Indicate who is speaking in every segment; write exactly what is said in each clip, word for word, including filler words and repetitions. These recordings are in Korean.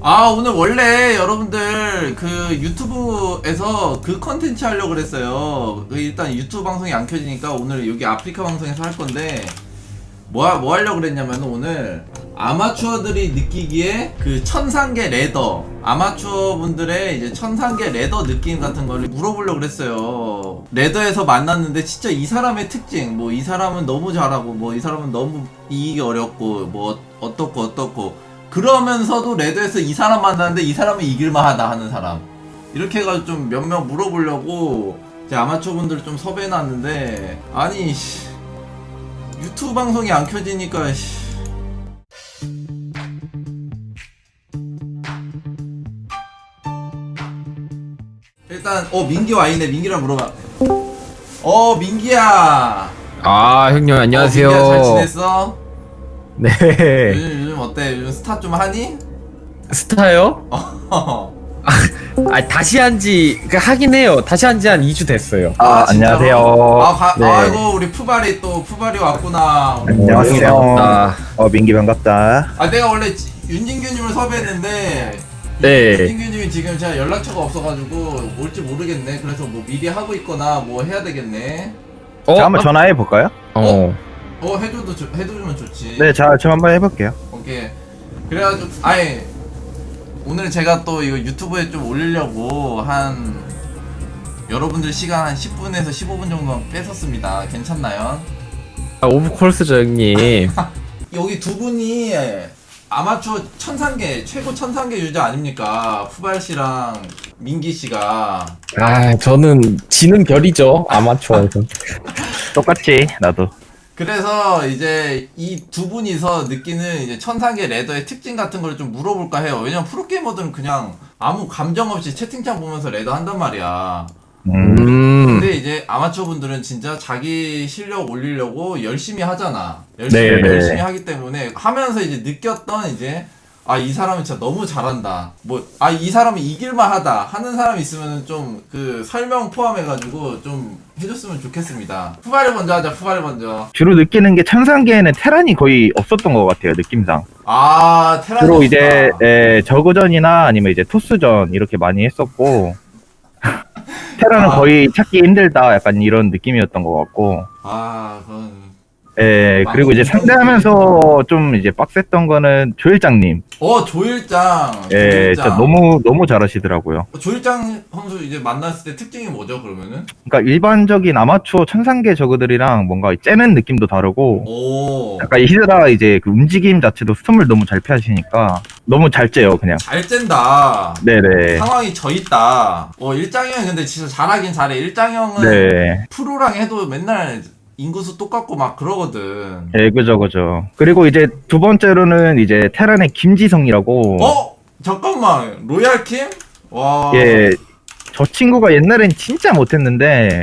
Speaker 1: 아, 오늘 원래 여러분들 그 유튜브에서 그 컨텐츠 하려고 그랬어요. 그 일단 유튜브 방송이 안 켜지니까 오늘 여기 아프리카 방송에서 할 건데 뭐, 하- 뭐 하려고 그랬냐면 오늘 아마추어들이 느끼기에 그 천상계 레더, 아마추어 분들의 이제 천상계 레더 느낌 같은 거를 물어보려고 그랬어요. 레더에서 만났는데 진짜 이 사람의 특징, 뭐 이 사람은 너무 잘하고 뭐 이 사람은 너무 이기기 어렵고 뭐 어떻고 어떻고 그러면서도 레드에서 이 사람 만났는데 이 사람은 이길만하다 하는 사람, 이렇게 해가지고 좀 몇 명 물어보려고 제 아마추어 분들 좀 섭외해놨는데, 아니 씨, 유튜브 방송이 안 켜지니까 씨. 일단 어 민기 와있네. 민기랑 물어봐. 어 민기야.
Speaker 2: 아 형님 안녕하세요.
Speaker 1: 어, 민기야 잘 지냈어?
Speaker 2: 네.
Speaker 1: 요즘 요즘 어때? 요즘 스타 좀 하니?
Speaker 2: 스타요?
Speaker 1: 어.
Speaker 2: 아 다시 한지 그 하긴 해요. 다시 한지 한 이 주 됐어요.
Speaker 3: 아,
Speaker 1: 진짜로?
Speaker 3: 안녕하세요.
Speaker 1: 아, 가,
Speaker 2: 네.
Speaker 1: 아이고 우리 푸바리 또 푸바리 왔구나.
Speaker 3: 안녕하세요.
Speaker 2: 아,
Speaker 3: 어, 민기 반갑다.
Speaker 1: 아 내가 원래 지- 윤진규님을 섭외했는데
Speaker 2: 네.
Speaker 1: 윤진규님이 지금 제가 연락처가 없어가지고 올지 모르겠네. 그래서 뭐 미리 하고 있거나 뭐 해야 되겠네.
Speaker 2: 어?
Speaker 3: 자, 한번 전화해 볼까요?
Speaker 2: 어.
Speaker 1: 어 해줘도 조, 해주면 좋지.
Speaker 3: 네, 자, 저 한번 해볼게요.
Speaker 1: 오케이. 그래가지고 아예 오늘 제가 또 이거 유튜브에 좀 올리려고 한 여러분들 시간 한 십 분에서 십오 분 정도 뺏었습니다. 괜찮나요?
Speaker 2: 아, 오브 콜스죠 형님.
Speaker 1: 여기 두 분이 아마추어 천상계 최고 천상계 유저 아닙니까? 푸발 씨랑 민기 씨가.
Speaker 2: 아 저는 지는 별이죠 아마추어에서.
Speaker 3: 똑같지, 나도.
Speaker 1: 그래서 이제 이 두 분이서 느끼는 이제 천상계 레더의 특징 같은 걸 좀 물어볼까 해요. 왜냐면 프로게이머들은 그냥 아무 감정 없이 채팅창 보면서 레더 한단 말이야.
Speaker 3: 음,
Speaker 2: 음.
Speaker 1: 근데 이제 아마추어 분들은 진짜 자기 실력 올리려고 열심히 하잖아. 열심히,
Speaker 2: 네, 네.
Speaker 1: 열심히 하기 때문에 하면서 이제 느꼈던 이제 아, 이 사람은 진짜 너무 잘한다. 뭐, 아, 이 사람은 이길만 하다 하는 사람 있으면 좀 그 설명 포함해가지고 좀 해줬으면 좋겠습니다. 푸바를 먼저 하자, 푸바를 먼저.
Speaker 3: 주로 느끼는 게 천상계에는 테란이 거의 없었던 것 같아요, 느낌상.
Speaker 1: 아, 테란.
Speaker 3: 주로 이제, 에, 저그전이나 아니면 이제 토스전 이렇게 많이 했었고, 테란은
Speaker 1: 아.
Speaker 3: 거의 찾기 힘들다, 약간 이런 느낌이었던 것 같고,
Speaker 1: 아, 그건.
Speaker 3: 에, 그리고 이제 상대하면서 좀 이제 빡셌던 거는 조일장님.
Speaker 1: 어, 조일장.
Speaker 3: 예,
Speaker 1: 조일장.
Speaker 3: 진짜 너무, 너무 잘하시더라고요.
Speaker 1: 어, 조일장 선수 이제 만났을 때 특징이 뭐죠, 그러면은?
Speaker 3: 그러니까 일반적인 아마추어 천상계 저그들이랑 뭔가 째는 느낌도 다르고
Speaker 1: 오.
Speaker 3: 약간 이 히드라 이제 그 움직임 자체도 스톰을 너무 잘 피하시니까 너무 잘 째요 그냥.
Speaker 1: 잘 짠다.
Speaker 3: 네네.
Speaker 1: 상황이 져 있다. 어, 일장이 형이 근데 진짜 잘하긴 잘해. 일장이 형은
Speaker 3: 네.
Speaker 1: 프로랑 해도 맨날 인구수 똑같고 막 그러거든.
Speaker 3: 예, 그죠 그죠. 그리고 이제 두 번째로는 이제 테란의 김지성이라고.
Speaker 1: 어? 잠깐만. 로얄킴? 와.
Speaker 3: 예. 저 친구가 옛날엔 진짜 못했는데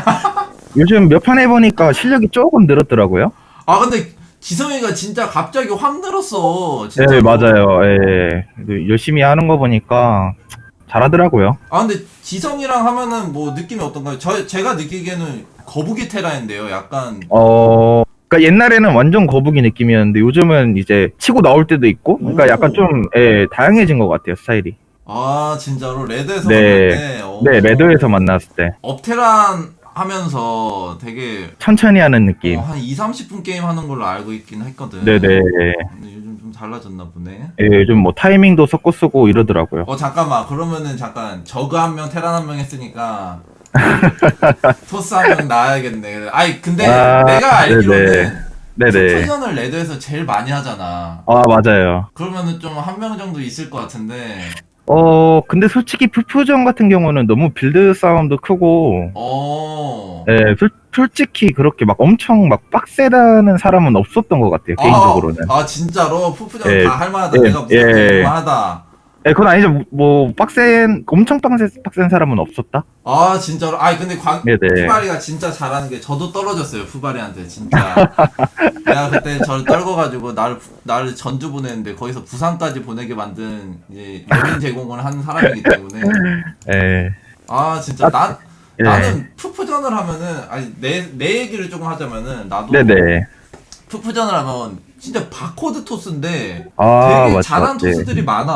Speaker 3: 요즘 몇 판 해보니까 실력이 조금 늘었더라고요.
Speaker 1: 아, 근데 지성이가 진짜 갑자기 확 늘었어. 진짜.
Speaker 3: 네, 맞아요. 예. 그 열심히 하는 거 보니까 잘하더라고요.
Speaker 1: 아, 근데 지성이랑 하면은 뭐 느낌이 어떤가요? 저, 제가 느끼기에는 거북이 테라인데요. 약간.
Speaker 3: 어, 그러니까 옛날에는 완전 거북이 느낌이었는데 요즘은 이제 치고 나올 때도 있고, 그러니까
Speaker 1: 오.
Speaker 3: 약간 좀 예, 다양해진 것 같아요 스타일이.
Speaker 1: 아, 진짜로 레드에서
Speaker 3: 네.
Speaker 1: 만날 때. 어.
Speaker 3: 네, 레드에서 만났을 때
Speaker 1: 업테란 하면서 되게
Speaker 3: 천천히 하는 느낌.
Speaker 1: 어, 한 이, 삼십 분 게임 하는 걸로 알고 있긴 했거든.
Speaker 3: 네네.
Speaker 1: 근데 요즘 좀 달라졌나 보네.
Speaker 3: 예, 요즘 뭐 타이밍도 섞어 쓰고 이러더라고요.
Speaker 1: 어, 잠깐만. 그러면은 잠깐 저그 한 명, 테란 한 명 했으니까 토스 한 명 나와야겠네. 아이, 근데
Speaker 3: 아,
Speaker 1: 내가 알기로는
Speaker 3: 네네. 네네.
Speaker 1: 푸전을 레드에서 제일 많이 하잖아.
Speaker 3: 아, 맞아요.
Speaker 1: 그러면은 좀 한 명 정도 있을 것 같은데.
Speaker 3: 어, 근데 솔직히 푸푸전 같은 경우는 너무 빌드 싸움도 크고,
Speaker 1: 어.
Speaker 3: 예, 솔, 솔직히 그렇게 막 엄청 막 빡세다는 사람은 없었던 것 같아요, 개인적으로는.
Speaker 1: 아, 아 진짜로 푸푸전
Speaker 3: 예,
Speaker 1: 다 할만하다.
Speaker 3: 예,
Speaker 1: 내가 무슨
Speaker 3: 예.
Speaker 1: 할만하다.
Speaker 3: 예, 그건 아니죠. 뭐, 빡센, 엄청 빡센, 빡센 사람은 없었다?
Speaker 1: 아 진짜로. 아 근데 광
Speaker 3: 네네.
Speaker 1: 푸바리가 진짜 잘하는 게 저도 떨어졌어요. 푸바리한테 진짜. 내가 그때 저를 떨궈가지고 나를 나를 전주 보냈는데 거기서 부산까지 보내게 만든 이제 여민 제공을 한 사람이기 때문에.
Speaker 3: 예.
Speaker 1: 아 진짜 나
Speaker 3: 예.
Speaker 1: 나는 푸푸전을 하면은 아니 내 내 얘기를 조금 하자면은 나도
Speaker 3: 네네.
Speaker 1: 푸푸전을 하면 진짜 바코드 토스인데
Speaker 3: 아,
Speaker 1: 되게
Speaker 3: 맞죠,
Speaker 1: 잘하는
Speaker 3: 맞지.
Speaker 1: 토스들이 많아.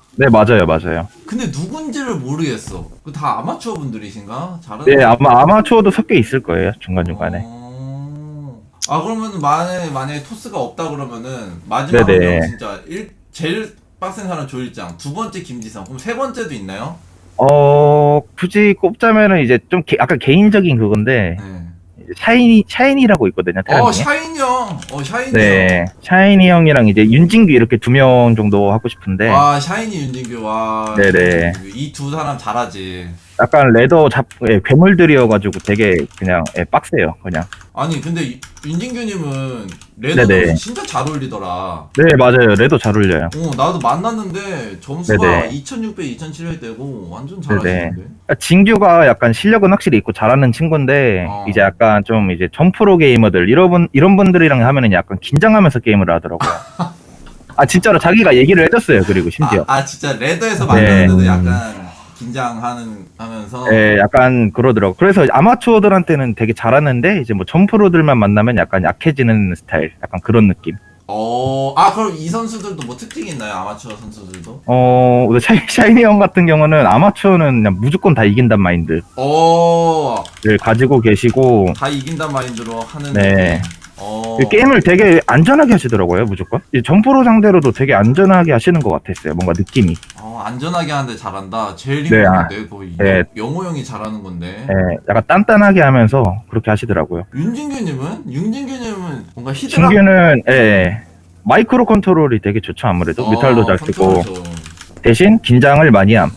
Speaker 3: 네, 맞아요, 맞아요.
Speaker 1: 근데 누군지를 모르겠어. 그 다 아마추어 분들이신가? 잘하는
Speaker 3: 네, 아마 아마추어도 섞여 있을 거예요, 중간중간에.
Speaker 1: 어... 아 그러면 만약에 만약에 토스가 없다 그러면은 마지막으로
Speaker 3: 네네.
Speaker 1: 진짜 일 제일 빡센 사람 조일장, 두 번째 김지성, 그럼 세 번째도 있나요?
Speaker 3: 어, 굳이 꼽자면은 이제 좀 개, 약간 개인적인 그건데,
Speaker 1: 네.
Speaker 3: 이제 샤이니, 샤이니라고 있거든요, 테란
Speaker 1: 어
Speaker 3: 중에.
Speaker 1: 샤이니 형, 어 샤이니
Speaker 3: 네, 샤이니 형이랑 이제 윤진규 이렇게 두 명 정도 하고 싶은데,
Speaker 1: 형. 와 샤이니 윤진규 와.
Speaker 3: 네네.
Speaker 1: 이 두 사람 잘하지.
Speaker 3: 약간 레더 잡, 예, 괴물들이어가지고 되게 그냥, 예, 빡세요, 그냥.
Speaker 1: 아니 근데 이- 윤진규님은 레드도
Speaker 3: 네네.
Speaker 1: 진짜 잘 어울리더라.
Speaker 3: 네, 맞아요. 레더 잘 어울려요.
Speaker 1: 어 나도 만났는데 점수가
Speaker 3: 네네.
Speaker 1: 이천육백, 이천칠백 되고 완전
Speaker 3: 네네.
Speaker 1: 잘하시는데.
Speaker 3: 진규가 약간 실력은 확실히 있고 잘하는 친구인데,
Speaker 1: 어.
Speaker 3: 이제 약간 좀 이제 점프로 게이머들, 이런 분, 이런 분들이랑 하면은 약간 긴장하면서 게임을 하더라고요. 아, 진짜로 자기가 얘기를 해줬어요, 그리고 심지어.
Speaker 1: 아, 아 진짜 레더에서
Speaker 3: 네.
Speaker 1: 만났는데도 약간 긴장하는 하면서.
Speaker 3: 예, 약간 그러더라고. 그래서 아마추어들한테는 되게 잘하는데, 이제 뭐 점프로들만 만나면 약간 약해지는 스타일, 약간 그런 느낌.
Speaker 1: 어, 아 그럼 이 선수들도 뭐 특징이 있나요? 아마추어 선수들도?
Speaker 3: 어, 근데 샤이, 샤이니 형 같은 경우는 아마추어는 그냥 무조건 다 이긴단 마인드를
Speaker 1: 어,
Speaker 3: 가지고 계시고,
Speaker 1: 다 이긴단 마인드로 하는.
Speaker 3: 네.
Speaker 1: 어.
Speaker 3: 게임을 되게 안전하게 하시더라고요, 무조건. 이 점프로 상대로도 되게 안전하게 하시는 것 같았어요, 뭔가 느낌이.
Speaker 1: 어, 안전하게 하는데 잘한다. 제일
Speaker 3: 네,
Speaker 1: 힘든데 거의
Speaker 3: 네.
Speaker 1: 영호 형이 잘하는 건데.
Speaker 3: 예, 약간 단단하게 하면서 그렇게 하시더라고요.
Speaker 1: 윤진규님은? 윤진규님은 뭔가 히드라.
Speaker 3: 진규는, 예, 예. 마이크로 컨트롤이 되게 좋죠, 아무래도.
Speaker 1: 어,
Speaker 3: 뮤탈도 잘 쓰고.
Speaker 1: 컨트롤 좀.
Speaker 3: 대신 긴장을 많이 함.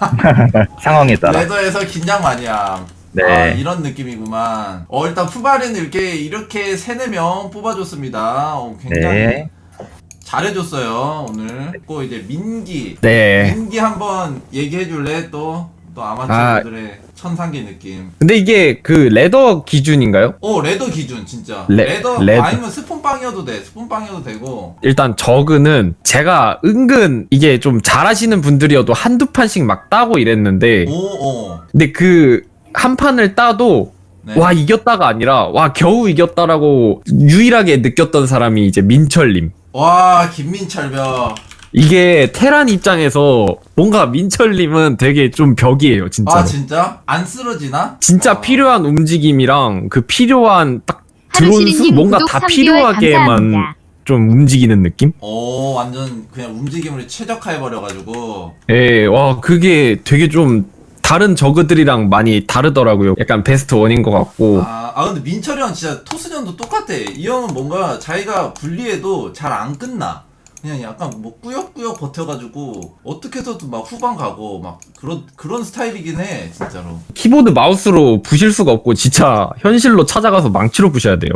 Speaker 3: 상황에 따라.
Speaker 1: 레더에서 긴장 많이 함.
Speaker 3: 네.
Speaker 1: 아, 이런 느낌이구만. 어, 일단 푸바리는 이렇게, 이렇게 세네 명 뽑아줬습니다. 어, 굉장히
Speaker 3: 네.
Speaker 1: 잘해줬어요, 오늘. 또 이제 민기.
Speaker 2: 네.
Speaker 1: 민기 한번 얘기해줄래? 또, 또 아마추어들의 천상계 느낌.
Speaker 2: 근데 이게 그 레더 기준인가요?
Speaker 1: 어, 레더 기준, 진짜.
Speaker 2: 레-
Speaker 1: 레더,
Speaker 2: 레더.
Speaker 1: 아니면 스폰빵이어도 돼. 스폰빵이어도 되고.
Speaker 2: 일단 저그는 제가 은근 이게 좀 잘하시는 분들이어도 한두 판씩 막 따고 이랬는데
Speaker 1: 오, 어.
Speaker 2: 근데 그 한 판을 따도
Speaker 1: 네.
Speaker 2: 와 이겼다가 아니라 와 겨우 이겼다라고 유일하게 느꼈던 사람이 이제 민철님.
Speaker 1: 와, 김민철벽.
Speaker 2: 이게 테란 입장에서 뭔가 민철님은 되게 좀 벽이에요 진짜로.
Speaker 1: 아, 진짜? 안 쓰러지나?
Speaker 2: 진짜
Speaker 1: 어.
Speaker 2: 필요한 움직임이랑 그 필요한 딱 드론 수
Speaker 4: 하루시린님
Speaker 2: 뭔가
Speaker 4: 구독
Speaker 2: 다
Speaker 4: 삼 개월
Speaker 2: 필요하게만
Speaker 4: 감사합니다.
Speaker 2: 좀 움직이는 느낌?
Speaker 1: 오, 완전 그냥 움직임을 최적화해버려가지고.
Speaker 2: 예, 와 그게 되게 좀 다른 저그들이랑 많이 다르더라고요. 약간 베스트 원인 것 같고.
Speaker 1: 아, 아 근데 민철이 형 진짜 토스전도 똑같아. 이 형은 뭔가 자기가 분리해도 잘 안 끝나. 그냥 약간 뭐 꾸역꾸역 버텨가지고 어떻게 해서도 막 후반 가고 막 그런 그런 스타일이긴 해 진짜로.
Speaker 2: 키보드 마우스로 부실 수가 없고 진짜 현실로 찾아가서 망치로 부셔야 돼요.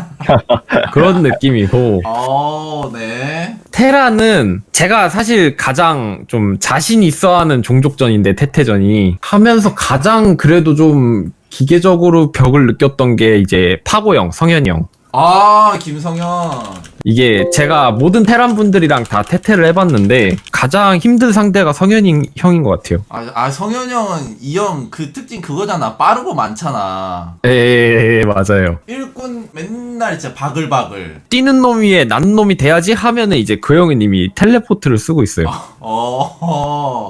Speaker 2: 그런 느낌이고.
Speaker 1: 어, 네.
Speaker 2: 테라는 제가 사실 가장 좀 자신 있어 하는 종족전인데 테테전이 하면서 가장 그래도 좀 기계적으로 벽을 느꼈던 게 이제 파고형, 성현이 형.
Speaker 1: 아, 김성현.
Speaker 2: 이게 제가 모든 테란 분들이랑 다 테테를 해봤는데 가장 힘든 상대가 성현이 형인 것 같아요.
Speaker 1: 아, 아 성현 형은 이 형 그 특징 그거잖아. 빠르고 많잖아.
Speaker 2: 예, 맞아요.
Speaker 1: 일꾼 맨날 진짜 바글바글.
Speaker 2: 뛰는 놈 위에 난 놈이 돼야지 하면은 이제 그 형은 이미 텔레포트를 쓰고 있어요.
Speaker 1: 어.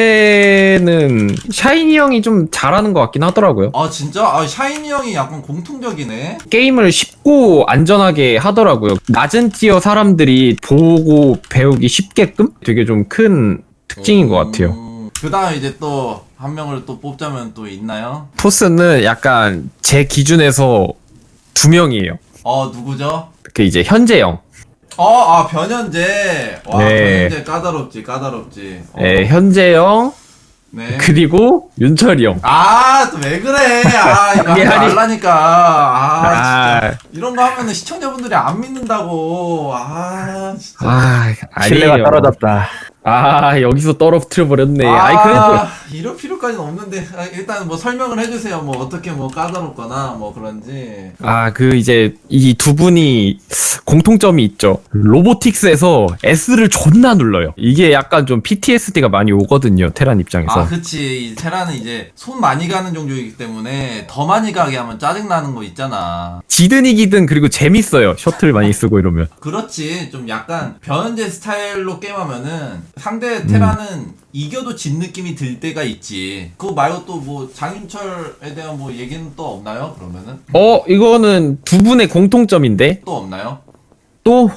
Speaker 2: 요새는 샤이니 형이 좀 잘하는 것 같긴 하더라고요.
Speaker 1: 아 진짜? 아 샤이니 형이 약간 공통적이네.
Speaker 2: 게임을 쉽고 안전하게 하더라고요. 낮은 티어 사람들이 보고 배우기 쉽게끔 되게 좀 큰 특징인 것 같아요.
Speaker 1: 그 다음 이제 또 한 명을 또 뽑자면 또 있나요?
Speaker 2: 토스는 약간 제 기준에서 두 명이에요.
Speaker 1: 어 누구죠?
Speaker 2: 그 이제 현재형.
Speaker 1: 어, 아 변현재. 와
Speaker 2: 네.
Speaker 1: 변현재 까다롭지 까다롭지. 어,
Speaker 2: 예, 현재형
Speaker 1: 네.
Speaker 2: 그리고 윤철이 형.
Speaker 1: 아 또 왜 그래? 아 이거 하지
Speaker 2: 미안해.
Speaker 1: 말라니까. 아
Speaker 2: 아,
Speaker 1: 진짜 이런 거 하면은 시청자분들이 안 믿는다고. 아 진짜.
Speaker 2: 아,
Speaker 3: 신뢰가
Speaker 2: 아니에요.
Speaker 3: 떨어졌다.
Speaker 2: 아, 여기서 떨어뜨려 버렸네.
Speaker 1: 아,
Speaker 2: 아이 그래도
Speaker 1: 이럴 필요까지는 없는데 아, 일단 뭐 설명을 해주세요. 뭐 어떻게 뭐 까다롭거나 뭐 그런지.
Speaker 2: 아, 그 이제 이 두 분이 공통점이 있죠. 로보틱스에서 S를 존나 눌러요. 이게 약간 좀 피티에스디가 많이 오거든요. 테란 입장에서.
Speaker 1: 아, 그치. 이 테라는 이제 손 많이 가는 종족이기 때문에 더 많이 가게 하면 짜증나는 거 있잖아.
Speaker 2: 지든 이기든 그리고 재밌어요. 셔틀 많이 쓰고 이러면.
Speaker 1: 그렇지. 좀 약간 변현재 스타일로 게임하면은 상대 테라는 이겨도 진 느낌이 들 때가 있지. 그거 말고 또 뭐 장윤철에 대한 뭐 얘기는 또 없나요? 그러면은
Speaker 2: 어, 이거는 두 분의 공통점인데
Speaker 1: 또 없나요?
Speaker 2: 또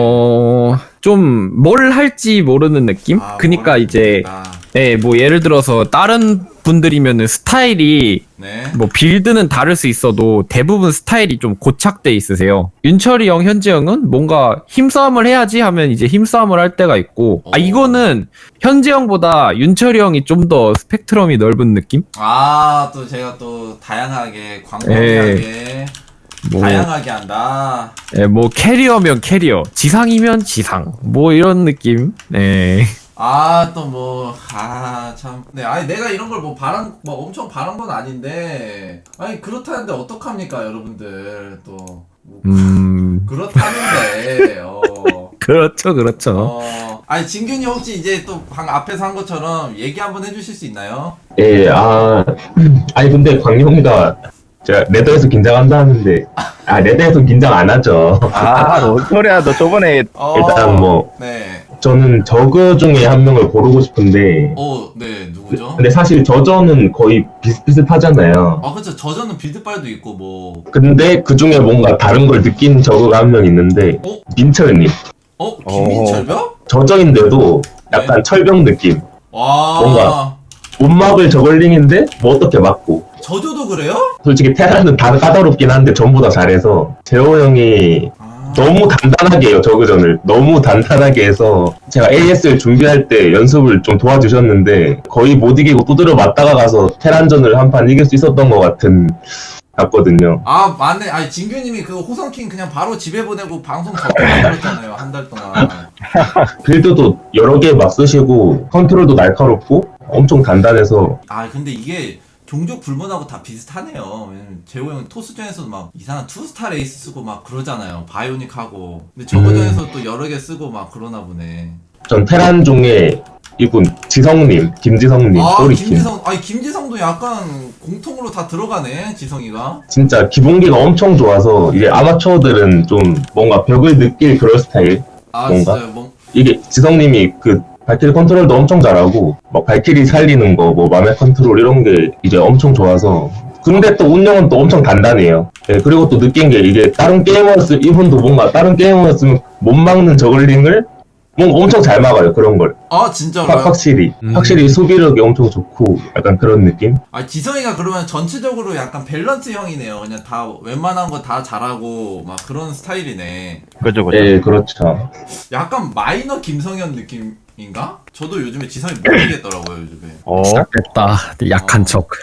Speaker 2: 어, 좀 뭘 할지 모르는 느낌?
Speaker 1: 아,
Speaker 2: 그니까
Speaker 1: 뭘
Speaker 2: 이제
Speaker 1: 모르겠다.
Speaker 2: 네, 뭐 예를 들어서 다른 분들이면은 스타일이
Speaker 1: 네.
Speaker 2: 뭐 빌드는 다를 수 있어도 대부분 스타일이 좀 고착돼 있으세요. 윤철이 형, 현지 형은 뭔가 힘싸움을 해야지 하면 이제 힘싸움을 할 때가 있고, 아
Speaker 1: 오.
Speaker 2: 이거는 현지 형보다 윤철이 형이 좀 더 스펙트럼이 넓은 느낌?
Speaker 1: 아, 또 제가 또 다양하게 광범위하게
Speaker 2: 뭐,
Speaker 1: 다양하게 한다.
Speaker 2: 예, 뭐 캐리어면 캐리어, 지상이면 지상, 뭐 이런 느낌. 네.
Speaker 1: 아, 또 뭐, 아, 참. 네, 아니, 내가 이런 걸 뭐 바란, 뭐 엄청 바란 건 아닌데, 아니, 그렇다는데 어떡합니까, 여러분들. 또. 뭐,
Speaker 2: 음,
Speaker 1: 그렇다는데, 어.
Speaker 2: 그렇죠, 그렇죠.
Speaker 1: 어. 아니, 진균이 혹시 이제 또 방 앞에서 한 것처럼 얘기 한번 해주실 수 있나요?
Speaker 4: 예, 아, 아니, 근데 광용이가, 제가 레더에서 긴장한다 하는데, 아, 레더에서 긴장 안 하죠.
Speaker 3: 아, 뭔 소리야. 너 저번에
Speaker 1: 어.
Speaker 4: 일단 뭐,
Speaker 1: 네.
Speaker 4: 저는 저그 중에 한 명을 고르고 싶은데,
Speaker 1: 어, 네, 누구죠?
Speaker 4: 근데 사실 저저는 거의 비슷비슷하잖아요.
Speaker 1: 아, 그쵸. 저저는 빌드빨도 있고, 뭐.
Speaker 4: 근데 그 중에 뭔가 다른 걸 느낀 저그가 한 명 있는데,
Speaker 1: 어?
Speaker 4: 민철님.
Speaker 1: 어? 김민철벽?
Speaker 4: 저저인데도 약간
Speaker 1: 네.
Speaker 4: 철벽 느낌.
Speaker 1: 와.
Speaker 4: 뭔가. 못 막을 저글링인데, 뭐 어떻게 막고.
Speaker 1: 저저도 그래요?
Speaker 4: 솔직히 테라는 다 까다롭긴 한데 전부 다 잘해서 재호 형이
Speaker 1: 아.
Speaker 4: 너무 단단하게 해요 저그전을 너무 단단하게 해서 제가 에이에스를 준비할 때 연습을 좀 도와주셨는데 거의 못 이기고 두드려 맞다가 가서 테란전을 한 판 이길 수 있었던 것 같은 같거든요.
Speaker 1: 아, 맞네. 아니, 진규님이 그 호성킹 그냥 바로 집에 보내고 방송 접근했잖아요. 한 달 동안.
Speaker 4: 빌드도 여러 개 막 쓰시고 컨트롤도 날카롭고 엄청 단단해서
Speaker 1: 아, 근데 이게 종족 불문하고 다 비슷하네요. 왜냐면 재호 형은 토스전에서도 막 이상한 투스타 레이스 쓰고 막 그러잖아요. 바이오닉 하고. 근데 저거전에서 또 여러 개 쓰고 막 그러나 보네.
Speaker 4: 전 테란 중에 이분 지성님 김지성님
Speaker 1: 아,
Speaker 4: 소리팀
Speaker 1: 김지성. 아니, 김지성도 약간 공통으로 다 들어가네. 지성이가.
Speaker 4: 진짜 기본기가 엄청 좋아서 이제 아마추어들은 좀 뭔가 벽을 느낄 그런 스타일.
Speaker 1: 아,
Speaker 4: 뭔가?
Speaker 1: 진짜요. 뭐,
Speaker 4: 이게 지성님이 그 발키리 컨트롤도 엄청 잘하고 막 발키리 살리는 거 뭐 맘의 컨트롤 이런 게 이제 엄청 좋아서 근데 또 운영은 또 엄청 단단해요. 예, 그리고 또 느낀 게 이게 다른 게이머였으면 이분도 뭔가 다른 게이머였으면 못 막는 저글링을 뭔가 엄청 잘 막아요 그런 걸.
Speaker 1: 아,
Speaker 4: 확,
Speaker 1: 진짜로요?
Speaker 4: 확실히
Speaker 2: 음.
Speaker 4: 확실히 수비력이 엄청 좋고 약간 그런 느낌.
Speaker 1: 아, 지성이가 그러면 전체적으로 약간 밸런스 형이네요. 그냥 다 웬만한 거 다 잘하고 막 그런 스타일이네.
Speaker 3: 그죠, 그죠.
Speaker 4: 예, 그렇죠.
Speaker 1: 약간 마이너 김성현 느낌인가? 저도 요즘에 지성이 모르겠더라고요, 요즘에.
Speaker 3: 어,
Speaker 2: 시작됐다. 약한
Speaker 1: 어.
Speaker 2: 척.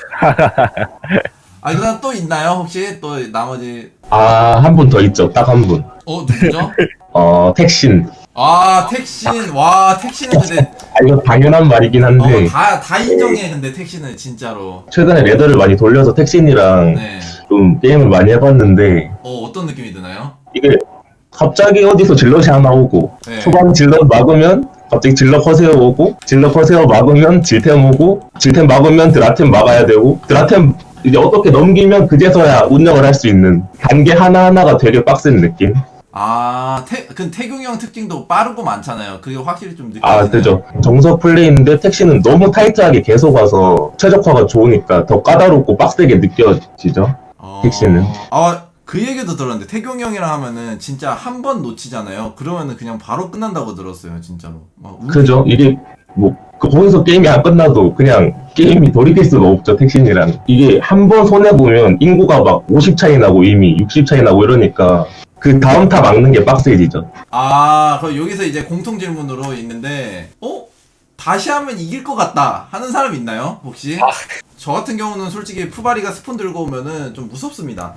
Speaker 1: 아, 그다음 또 있나요? 혹시 또 나머지
Speaker 4: 아, 한 분 더 있죠. 딱 한 분.
Speaker 1: 어, 누구죠?
Speaker 4: 어, 택신.
Speaker 1: 아, 택신. 와, 택신은 근데
Speaker 4: 아, 이거 당연한 말이긴 한데
Speaker 1: 어, 다, 다 인정해. 근데 택신은 진짜로.
Speaker 4: 최근에 레더를 많이 돌려서 택신이랑
Speaker 1: 네.
Speaker 4: 좀 게임을 많이 해봤는데
Speaker 1: 어, 어떤 느낌이 드나요?
Speaker 4: 이게 갑자기 어디서 질럿이 하나 오고
Speaker 1: 네.
Speaker 4: 초반 질럿 막으면 갑자기 질럿 커세어 오고 질럿 커세어 막으면 질템 오고 질템 막으면 드라템 막아야 되고 드라템 이제 어떻게 넘기면 그제서야 운영을 할 수 있는 단계 하나하나가 되게 빡센 느낌.
Speaker 1: 아, 태, 그 태균이 형 특징도 빠르고 많잖아요. 그게 확실히 좀 느껴지네요.
Speaker 4: 아 그죠. 정석 플레이인데 택시는 너무 타이트하게 계속 와서 최적화가 좋으니까 더 까다롭고 빡세게 느껴지죠.
Speaker 1: 어...
Speaker 4: 택시는.
Speaker 1: 아, 그 얘기도 들었는데 태균 형이랑 하면은 진짜 한 번 놓치잖아요. 그러면은 그냥 바로 끝난다고 들었어요, 진짜로. 막 우-
Speaker 4: 그죠. 이게 뭐 그- 거기서 게임이 안 끝나도 그냥 게임이 돌이킬 수가 없죠. 택신이랑 이게 한 번 손해 보면 인구가 막 오십 차이 나고 이미 육십 차이 나고 이러니까 그 다음 타 막는 게 빡세지죠.
Speaker 1: 아, 그럼 여기서 이제 공통 질문으로 있는데, 어? 다시 하면 이길 것 같다 하는 사람 있나요? 혹시? 저 같은 경우는 솔직히 푸바리가 스폰 들고 오면은 좀 무섭습니다.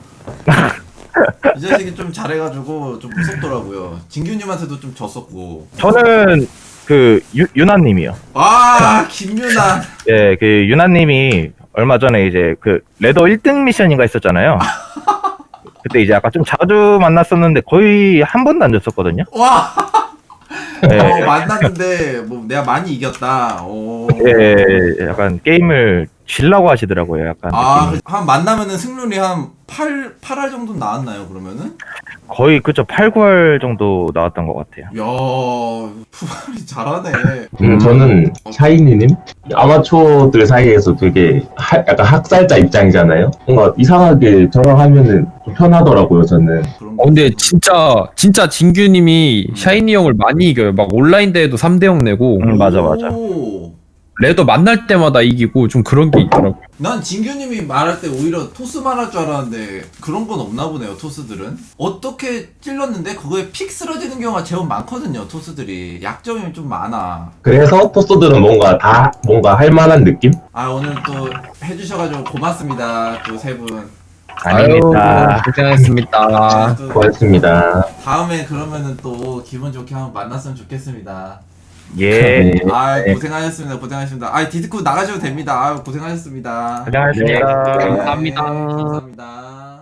Speaker 1: 이 자식이 좀 잘해가지고 좀 무섭더라고요. 진규님한테도 좀 졌었고.
Speaker 3: 저는 그 유, 유나님이요.
Speaker 1: 와 김유나.
Speaker 3: 예, 그 유나님이 얼마 전에 이제 그 레더 일 등 미션인가 있었잖아요. 그때 이제 아까 좀 자주 만났었는데 거의 한 번도 안 졌었거든요.
Speaker 1: 와.
Speaker 3: 예,
Speaker 1: 어, 만났는데 뭐 내가 많이 이겼다. 오.
Speaker 3: 예, 약간 게임을 질라고 하시더라고요. 약간
Speaker 1: 아,
Speaker 3: 느낌이.
Speaker 1: 한 만나면은 승률이 한 팔, 팔 할 정도 나왔나요, 그러면은?
Speaker 3: 거의 그쵸 팔, 구할 정도 나왔던 것 같아요.
Speaker 1: 야, 푸발이 잘하네.
Speaker 4: 음, 저는 샤이니님 아마추어들 사이에서 되게 하- 약간 학살자 입장이잖아요. 뭔가 이상하게 저랑 하면은 좀 편하더라고요. 저는.
Speaker 1: 그런
Speaker 2: 어, 근데
Speaker 1: 거.
Speaker 2: 진짜 진짜 진규님이 샤이니 형을 많이 이겨요. 막 온라인 대회도 삼 대 영 내고
Speaker 3: 음, 맞아, 맞아.
Speaker 1: 오.
Speaker 2: 레더 만날 때마다 이기고 좀 그런 게 있더라고.
Speaker 1: 난 진규님이 말할 때 오히려 토스만 할 줄 알았는데 그런 건 없나 보네요, 토스들은. 어떻게 찔렀는데 그거에 픽 쓰러지는 경우가 제법 많거든요, 토스들이. 약점이 좀 많아.
Speaker 4: 그래서 토스들은 뭔가 다 뭔가 할 만한 느낌?
Speaker 1: 아, 오늘 또 해주셔가지고 고맙습니다, 또 세 분.
Speaker 3: 아닙니다.
Speaker 2: 아유, 고생하셨습니다.
Speaker 1: 또
Speaker 4: 고맙습니다.
Speaker 1: 다음에 그러면은 또 기분 좋게 한번 만났으면 좋겠습니다.
Speaker 3: 예.
Speaker 4: 네.
Speaker 1: 아, 고생하셨습니다. 고생하셨습니다. 아, 디스코 나가셔도 됩니다. 아, 고생하셨습니다.
Speaker 3: 고생하셨습니다.
Speaker 2: 네, 감사합니다.
Speaker 1: 네, 감사합니다.